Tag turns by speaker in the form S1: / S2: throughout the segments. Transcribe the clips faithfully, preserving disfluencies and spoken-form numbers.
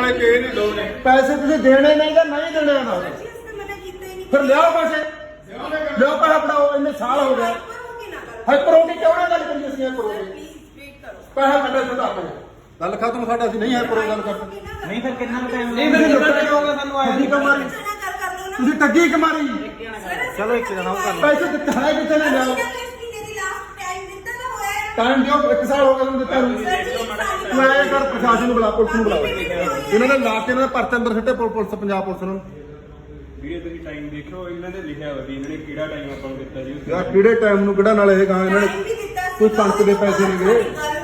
S1: ਲੈ ਕੇ ਇਹ ਨਹੀਂ ਦੋ ਨੇ
S2: ਪੈਸੇ ਤੁਸੀਂ ਦੇਣੇ ਨਹੀਂ ਜਾਂ ਨਹੀਂ ਦੇਣੇ ਨਾ ਫਿਰ ਲਿਆਓ ਪੈਸੇ ਲਿਆਓ ਪੈਸੇ ਫੜਾਓ ਇੰਨੇ ਸਾਲ ਹੋ ਗਏ ਹਾਈਪਰ ਹੋ ਕੇ ਕਿਉਂ ਨਾ ਗੱਲ ਕਰੀਏ ਅਸੀਂ ਹਾਈਪਰ ਹੋ ਕੇ ਪੈਸੇ ਕੱਢੇ ਤੁਹਾਡਾ ਆਪਣੇ ਗੱਲ ਖਤਮ ਸਾਡਾ ਅਸੀਂ ਨਹੀਂ ਹਾਈਪਰ ਗੱਲ ਕਰਦੇ
S3: ਨਹੀਂ ਫਿਰ ਕਿੰਨਾ ਟਾਈਮ
S2: ਨਹੀਂ ਫਿਰ ਕਿੰਨਾ ਟਾਈਮ ਹੋਗਾ ਸਾਨੂੰ ਆਇਆ ਨਹੀਂ ਕਮਾਰੀ ਤੁਸੀਂ ਟੱਗੀ ਕਮਾਰੀ
S3: ਚਲੋ ਇੱਕ ਜਣਾ ਉਹ ਕਰ
S2: ਪੈਸੇ ਦਿੱਤੇ ਹੈ ਕਿਤੇ ਨਾ ਲਿਆਓ ਟਾਈਮ ਦਿਓ ਇੱਕ ਸਾਲ ਹੋ ਗਿਆ ਤੁਹਾਨੂੰ ਦਿੱਤਾ ਨੂੰ ਤੂੰ ਐਂ ਕਰ ਪ੍ਰਸ਼ਾਸਨ ਨੂੰ ਬੁਲਾ ਪੁਲਿਸ ਨੂੰ ਬੁਲਾ ਇਹਨਾਂ ਨੇ ਲਾ ਕੇ ਇਹਨਾਂ ਦੇ ਪਰਚੇ ਅੰਦਰ ਸਿੱਟੇ ਪੁਲਿਸ ਪੰਜਾਬ ਪੁਲਿਸ ਨੂੰ
S1: ਵੀਰੇ ਤੁਸੀਂ ਟਾਈਮ ਦੇਖੋ ਇਹਨਾਂ ਦੇ ਲਿਖਿਆ ਹੋਇਆ ਵੀ ਇਹਨਾਂ ਨੇ ਕਿਹੜਾ ਟਾਈਮ ਆਪਾਂ ਨੂੰ ਦਿੱਤਾ ਜੀ
S2: ਯਾਰ ਕਿਹੜੇ ਟਾਈਮ ਨੂੰ ਕਿਹੜਾ ਨਾਲ ਇਹ ਕਹਾਂ ਇਹਨਾਂ ਨੇ ਕੋਈ ਕਣਕ ਦੇ ਪੈਸੇ ਨਹੀਂ ਗਏ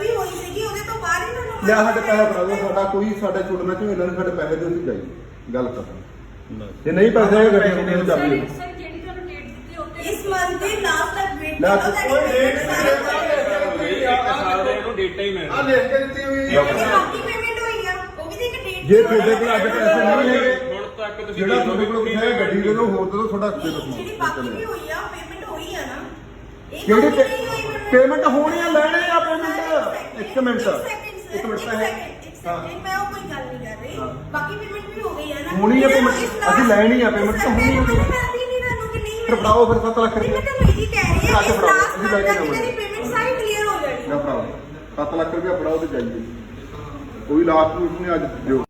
S2: ਲਿਆ ਸਾਡੇ ਪੈਸੇ ਫੜਾ ਸਾਡਾ ਕੋਈ ਸਾਡੇ ਛੁੱਟਣਾ ਚਾਹੀਦਾ ਇਹਨਾਂ ਨੇ ਸਾਡੇ ਪੈਸੇ ਦੇ ਅਸੀਂ ਜਾਈ ਗੱਲ ਕਰ ਜੇ ਨਹੀਂ ਪੈਸੇ ਇਹ ਗੱਡੀਆਂ ਨੂੰ ਚੱਲ ਜਾਈ
S4: ਇਸ ਮੰਥ ਦੇ ਲਾਸਟ ਤੱਕ ਵੇਟ
S2: ਕਰੋ
S1: ਇੱਕ ਸਾਲ ਦੇ ਇਹਨੂੰ ਡੇਟਾ ਹੀ ਮਿਲਦਾ
S2: ਆ ਲਿਖ ਕੇ ਦਿੱਤੀ ਹੋਈ
S4: ਬਾਕੀ ਪੇਮੈਂਟ ਹੋਈ ਆ ਉਹ ਵੀ ਤੇ ਇੱਕ ਡੇਟ
S2: ਜੇ ਤੁਹਾਡੇ ਕੋਲ ਅੱਜ ਪੈਸੇ ਨਹੀਂ ਹੈਗੇ
S1: ਹੁਣ ਤੱਕ ਤੁਸੀਂ
S2: ਜਿਹੜਾ ਤੁਹਾਡੇ ਕੋਲ ਹੈ ਗੱਡੀ ਦੇ ਲੋ ਹੋਰ ਦੇ ਲੋ ਤੁਹਾਡਾ ਦੇ
S4: ਜਿਹੜੀ ਬਾਕੀ ਵੀ ਹੋਈ ਆ ਪੇਮੈਂਟ ਹੋਈ ਆ ਨਾ
S2: ਕਿਹੜੀ ਪੇਮੈਂਟ ਹੋਣੀ ਆ ਲੈਣੇ ਆ ਪੇਮੈਂਟ ਇੱਕ ਮਿੰਟ ਇੱਕ ਮਿੰਟ ਹੈ
S4: ਹਾਂ ਮੈਂ ਉਹ ਕੋਈ ਗੱਲ ਨਹੀਂ ਕਰ ਰਹੀ ਬਾਕੀ ਪੇਮੈਂਟ ਵੀ ਹੋ ਗਈ ਆ ਨਾ
S2: ਹੋਣੀ ਆ ਪੇਮੈਂਟ ਅਸੀਂ ਲੈਣੀ ਆ ਪੇਮੈਂਟ ਤਾਂ ਹੋਣੀ ਆ ਫਿਰ ਫੜਾਓ ਫਿਰ ਸੱਤ ਲੱਖ ਰੁਪਏ
S4: ਮੈਂ ਤਾਂ ਮੇਰੀ ਕਹਿ ਰਹੀ ਹਾਂ
S2: ਅੱਜ ਫੜਾਓ ਅਸੀਂ ਲੈ ਕੇ ਜਾਵਾਂਗੇ
S4: ਤੇਰੀ ਪੇਮੈਂਟ ਸਾਰੀ ਕਲੀਅਰ ਹੋ ਜਾਣੀ
S2: ਨਾ ਫੜਾਓ ਸੱਤ ਲੱਖ ਰੁਪਏ ਫੜਾਓ ਤੇ ਜਾਈਏ ਕੋਈ ਲਾਸਟ ਨੂੰ ਨਹੀਂ ਅੱਜ ਦਿਓ